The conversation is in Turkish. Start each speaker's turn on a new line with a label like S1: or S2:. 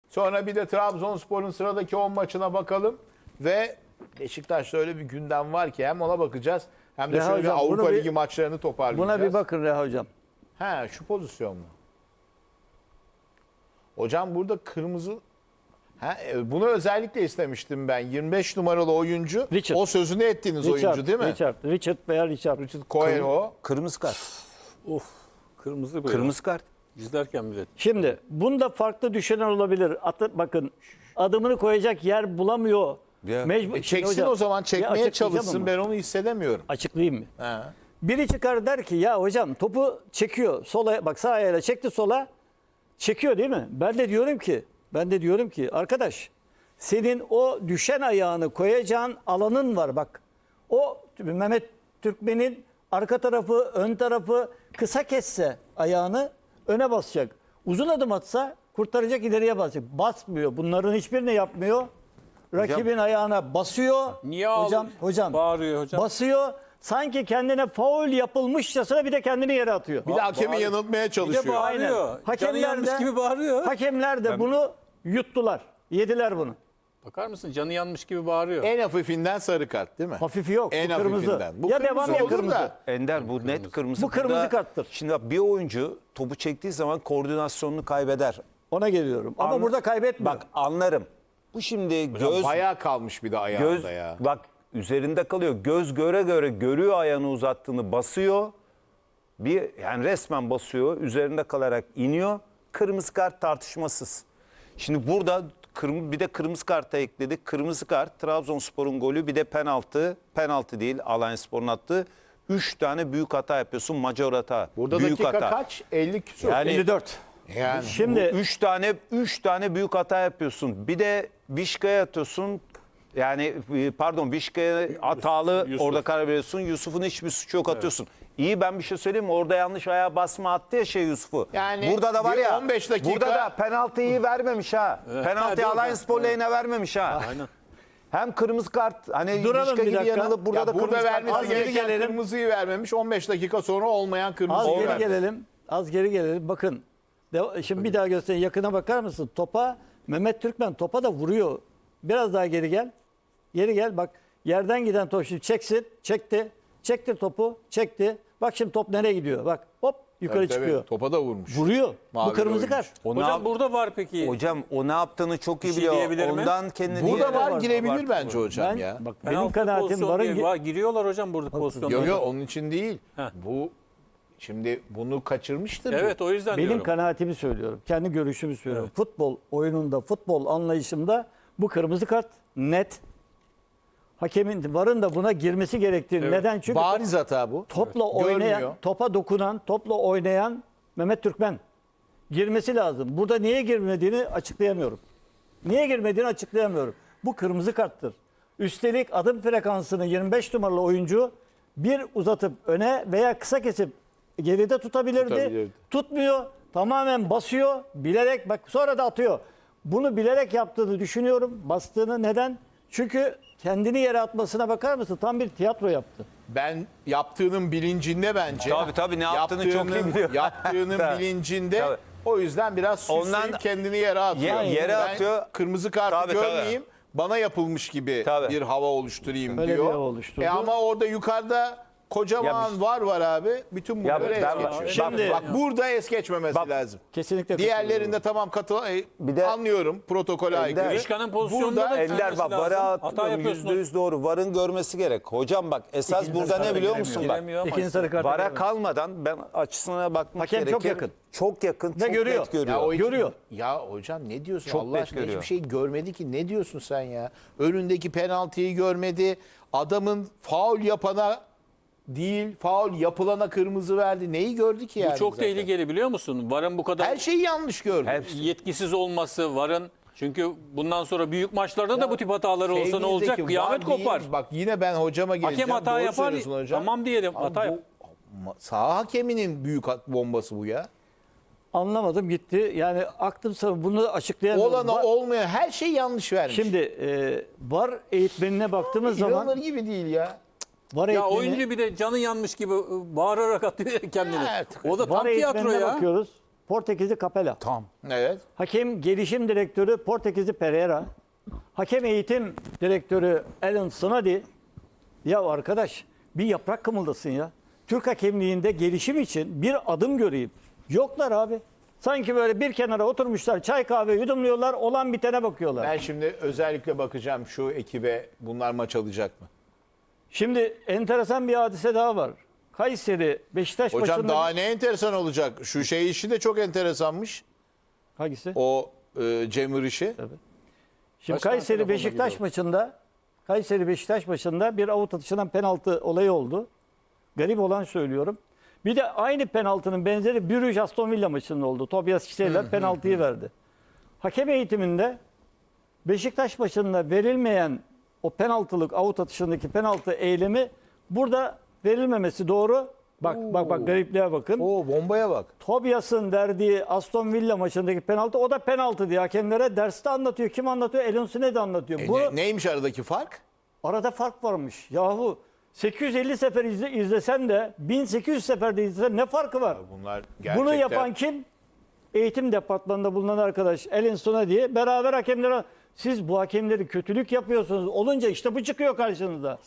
S1: Sonra bir de Trabzonspor'un sıradaki 10 maçına bakalım. Ve Beşiktaş'ta öyle bir gündem var ki hem ona bakacağız hem de
S2: Reha
S1: şöyle bir
S2: hocam,
S1: Avrupa
S2: bunu
S1: Ligi maçlarını toparlayacağız.
S2: Buna bir bakın Reha hocam.
S1: He, şu pozisyon mu? Hocam burada kırmızı... bunu özellikle istemiştim ben. 25 numaralı oyuncu.
S2: Richard.
S1: O sözünü ettiğiniz oyuncu değil mi?
S2: Richard veya Richard.
S1: Coelho.
S3: Kırmızı kart.
S4: Of. Kırmızı böyle.
S3: Kırmızı kart.
S4: İzlerken bile.
S2: Şimdi bunda farklı düşünen olabilir. Bakın adımını koyacak yer bulamıyor.
S3: Ya.
S2: Mecbur.
S1: Çeksin
S2: Hocam,
S1: o zaman,
S2: bir
S1: çekmeye
S2: açıklayacağım
S1: çalışsın.
S2: ama.
S1: Ben onu hissedemiyorum.
S2: Açıklayayım mı?
S1: He.
S2: Biri çıkar der ki ya hocam topu çekiyor. Sola bak, sağ ayağıyla çekti sola. Çekiyor değil mi? Ben de diyorum ki arkadaş, senin o düşen ayağını koyacağın alanın var bak. O Mehmet Türkmen'in arka tarafı, ön tarafı kısa kesse ayağını öne basacak. Uzun adım atsa kurtaracak, ileriye basacak. Basmıyor. Bunların hiçbirini yapmıyor. Rakibin ayağına basıyor.
S4: Niye
S2: hocam
S4: bağırıyor hocam?
S2: basıyor. Sanki kendine faul yapılmışçasına bir de kendini yere atıyor.
S1: Bir de hakemi
S4: Bağır-
S1: yanıltmaya
S4: Bir de
S1: çalışıyor.
S4: bağırıyor.
S2: Aynen.
S4: Canı yanmış gibi bağırıyor.
S2: Hakemler de bunu yuttular. Yediler bunu.
S4: Bakar mısın? Canı yanmış gibi bağırıyor.
S1: En hafifinden sarı kart değil mi?
S2: Hafifi yok.
S1: En
S2: bu kırmızı.
S1: hafifinden. Bu
S2: ya
S1: kırmızı
S2: devam ya
S1: olur
S2: kırmızı.
S1: da.
S3: Ender bu net kırmızı.
S2: Bu kırmızı
S3: Burada-
S2: karttır.
S3: Şimdi bak, bir oyuncu topu çektiği zaman koordinasyonunu kaybeder.
S2: Ona geliyorum. Ama
S3: Anla-
S2: burada kaybetmiyor.
S3: Bak anlarım. Bu şimdi göz
S1: Bayağı kalmış bir de ayağında
S3: göz
S1: ya.
S3: bak üzerinde kalıyor. Göz göre göre görüyor ayağını uzattığını, basıyor. Yani resmen basıyor. Üzerinde kalarak iniyor. Kırmızı kart tartışmasız. Şimdi burada bir de kırmızı karta ekledik. Kırmızı kart, Trabzonspor'un golü, bir de penaltı. Penaltı değil, Alanyaspor'un attığı. 3 tane büyük hata yapıyorsun. Majör hata.
S1: Burada
S3: büyük
S1: dakika
S3: hata.
S1: kaç? 50 küsur.
S3: Yani
S2: 54.
S1: Yani
S2: Şimdi
S3: 3 tane büyük hata yapıyorsun. Bir de Vişka'ya atıyorsun. Yani pardon, Vişka'ya hatalı
S4: Yusuf.
S3: orada karar veriyorsun. Yusuf'un hiçbir suçu yok, atıyorsun. İyi, ben bir şey söyleyeyim mi? Orada yanlış ayağa basma attı ya Yusuf'u.
S1: Yani
S3: burada da var
S1: bir
S3: ya.
S1: 15 dakika-
S3: Burada da penaltıyı vermemiş ha. Penaltıyı
S4: Ha,
S3: Alanyaspor lehine vermemiş ha.
S4: Aynen.
S3: Hem kırmızı kart, hani
S2: Duralım
S3: Vişka
S2: bir
S3: gibi
S2: dakika.
S3: yanılıp burada
S1: ya
S3: da
S1: burada
S3: kırmızı kart.
S1: vermesi
S2: Az geri
S1: gereken
S2: gelelim.
S1: kırmızıyı vermemiş. 15 dakika sonra olmayan
S2: az
S1: kırmızıyı
S2: geri
S1: vermiş.
S2: gelelim. Az geri gelelim. Bakın. Şimdi bir daha göstereyim. Yakına bakar mısın? Topa Mehmet Türkmen topa da vuruyor. Biraz daha geri gel. Geri gel. Bak, yerden giden top şimdi çeksin. Çekti. Çekti topu. Çekti. Bak şimdi top nereye gidiyor? Bak hop yukarı
S1: Tabii,
S2: çıkıyor.
S1: Topa da vurmuş.
S2: Vuruyor.
S1: Mavi
S2: Bu kırmızı
S1: oyuncu.
S2: kart.
S3: O ne
S4: Hocam
S3: yap-
S4: burada var peki.
S3: Hocam o ne yaptığını çok iyi
S4: Bir şey
S3: biliyor.
S4: diyebilir mi?
S3: Ondan kendini
S1: Burada
S3: yere-
S1: var, girebilir
S3: Abartma.
S1: bence hocam
S2: Ben
S1: ya.
S2: bak
S4: Penaltı
S2: benim kanaatim
S4: pozisyonu
S2: varın
S4: diye giriyorlar hocam burada pozisyonda.
S1: Yok yok, onun için değil.
S4: Heh.
S1: Bu şimdi bunu kaçırmıştır.
S4: Evet, o yüzden
S2: benim
S4: diyorum.
S2: kanaatimi söylüyorum. Kendi görüşümü söylüyorum. Futbol oyununda, futbol anlayışımda bu kırmızı kart net. Hakemin varın da buna girmesi gerektiğini.
S4: Evet.
S2: Neden? Çünkü
S1: Bariz hata bu.
S2: topla
S1: Görmüyor.
S2: oynayan, topa dokunan, topla oynayan Mehmet Türkmen girmesi lazım. Burada niye girmediğini açıklayamıyorum. Niye girmediğini açıklayamıyorum. Bu kırmızı karttır. Üstelik adım frekansını 25 numaralı oyuncu bir uzatıp öne veya kısa kesip geride tutabilirdi. Tutmuyor. Tamamen basıyor. Bilerek, bak sonra da atıyor. Bunu bilerek yaptığını düşünüyorum. Bastığını neden? Çünkü kendini yere atmasına bakar mısın? Tam bir tiyatro yaptı.
S1: Ben yaptığının bilincinde bence.
S3: Tabii, ne yaptığını çok iyi biliyor.
S1: Yaptığının
S3: Tabii.
S1: bilincinde.
S3: Tabii.
S1: O yüzden biraz süsleyip
S3: Ondan-
S1: kendini yere atıyor.
S3: Yere
S1: Ben
S3: atıyor.
S1: kırmızı kartı
S3: Tabii,
S1: görmeyeyim. Bana yapılmış gibi
S3: Tabii.
S1: bir hava oluşturayım
S2: Öyle
S1: diyor.
S2: bir hava oluşturdu.
S1: Ama orada yukarıda kocaman var abi. Bütün bunları es
S3: ben-
S1: geçiyor.
S2: Şimdi-
S1: bak burada es geçmemesi lazım.
S2: Kesinlikle
S1: Diğerlerinde tamam
S3: Bir de-
S1: anlıyorum, protokole aykırı.
S4: Vişka'nın pozisyonunda
S1: Burada
S4: da
S3: Ender
S4: görmesi
S3: bak,
S4: lazım.
S3: vara
S4: Hata
S3: atmıyorum,
S4: yapıyorsun.
S3: %100 doğru. Varın görmesi gerek. Hocam bak, esas
S2: İkinci
S3: burada
S2: sarı
S3: ne biliyor
S2: giremiyor.
S3: musun bak?
S4: Giremiyor ama
S2: İkinci sarı kart.
S3: Vara kalmadan ben açısına bakmak
S2: Hakem
S3: gerekir.
S2: çok yakın.
S3: Çok yakın, çok
S2: görüyor.
S3: net görüyor.
S1: Ya o için-
S2: Görüyor.
S1: Ya hocam ne diyorsun?
S3: Çok
S1: Allah
S3: net
S1: aşkına
S3: görüyor.
S1: hiçbir şey görmedi ki. Ne diyorsun sen ya? Önündeki penaltıyı görmedi. Adamın faul yapana değil, faul yapılana kırmızı verdi. Neyi gördü ki yani?
S4: Bu çok
S1: zaten?
S4: tehlikeli, biliyor musun? VAR'ın bu kadar
S1: Her şeyi yanlış gördü.
S4: yetkisiz olması, VAR'ın, çünkü bundan sonra büyük maçlarda da bu tip hataları olsa ne olacak?
S1: Sevgili
S4: Kıyamet
S1: Zeki, var
S4: kopar.
S1: değil. Bak yine ben hocama geleceğim.
S4: Hakem hata
S1: Doğru
S4: yapar.
S1: söylüyorsun hocam.
S4: Tamam diyelim,
S1: Ama
S4: hata yap.
S1: Sağ hakeminin büyük bombası bu ya.
S2: Anlamadım gitti. Yani aklım sana bunu açıklayamıyorum.
S1: Olana olmayan her şey yanlış vermiş.
S2: Şimdi VAR eğitmenine baktığımız zaman
S1: İnanılır gibi değil ya.
S2: VAR
S4: Ya
S2: eğitmeni,
S4: oyuncu bir de canı yanmış gibi bağırarak atıyor kendini.
S1: Evet.
S4: O da
S2: VAR
S4: tam tiyatro
S2: eğitmenine
S4: ya.
S2: bakıyoruz. Portekizli Capella.
S3: Tam.
S1: Evet.
S2: Hakem gelişim direktörü Portekizli Pereira. Hakem eğitim direktörü Alan Snoddy. Ya arkadaş bir yaprak kımıldasın ya. Türk hakemliğinde gelişim için bir adım göreyim. Yoklar abi. Sanki böyle bir kenara oturmuşlar, çay kahve yudumluyorlar, olan bitene bakıyorlar.
S1: Ben şimdi özellikle bakacağım şu ekibe, bunlar maç alacak mı?
S2: Şimdi enteresan bir hadise daha var. Kayseri Beşiktaş
S1: Hocam
S2: maçında...
S1: daha ne enteresan olacak? Şu şey işi de çok enteresanmış.
S2: Hangisi?
S1: O Cemur işi.
S2: Şimdi
S1: Kaç tane
S2: Kayseri
S1: telefonla
S2: Beşiktaş
S1: gidiyor?
S2: maçında bir avut atışından penaltı olayı oldu. Garip olan söylüyorum. Bir de aynı penaltının benzeri Bruges Aston Villa maçında oldu. Tobias Kişeyler penaltıyı verdi. Hakem eğitiminde Beşiktaş maçında verilmeyen o penaltılık avut atışındaki penaltı eylemi burada verilmemesi doğru. Bak garipliğe bakın.
S1: Oo, bombaya bak.
S2: Tobias'ın verdiği Aston Villa maçındaki penaltı o da penaltı diye hakemlere derste anlatıyor. Kim anlatıyor? Elon Sned'i anlatıyor. Bu
S1: Neymiş aradaki fark?
S2: arada fark varmış. Yahu 850 sefer izlesen de 1800 seferde izlesen ne farkı var?
S1: Bunlar gerçekten...
S2: Bunu yapan kim? Eğitim departmanında bulunan arkadaş Elin Sned'i beraber hakemlere siz bu hakemleri kötülük yapıyorsunuz olunca işte bu çıkıyor karşınıza.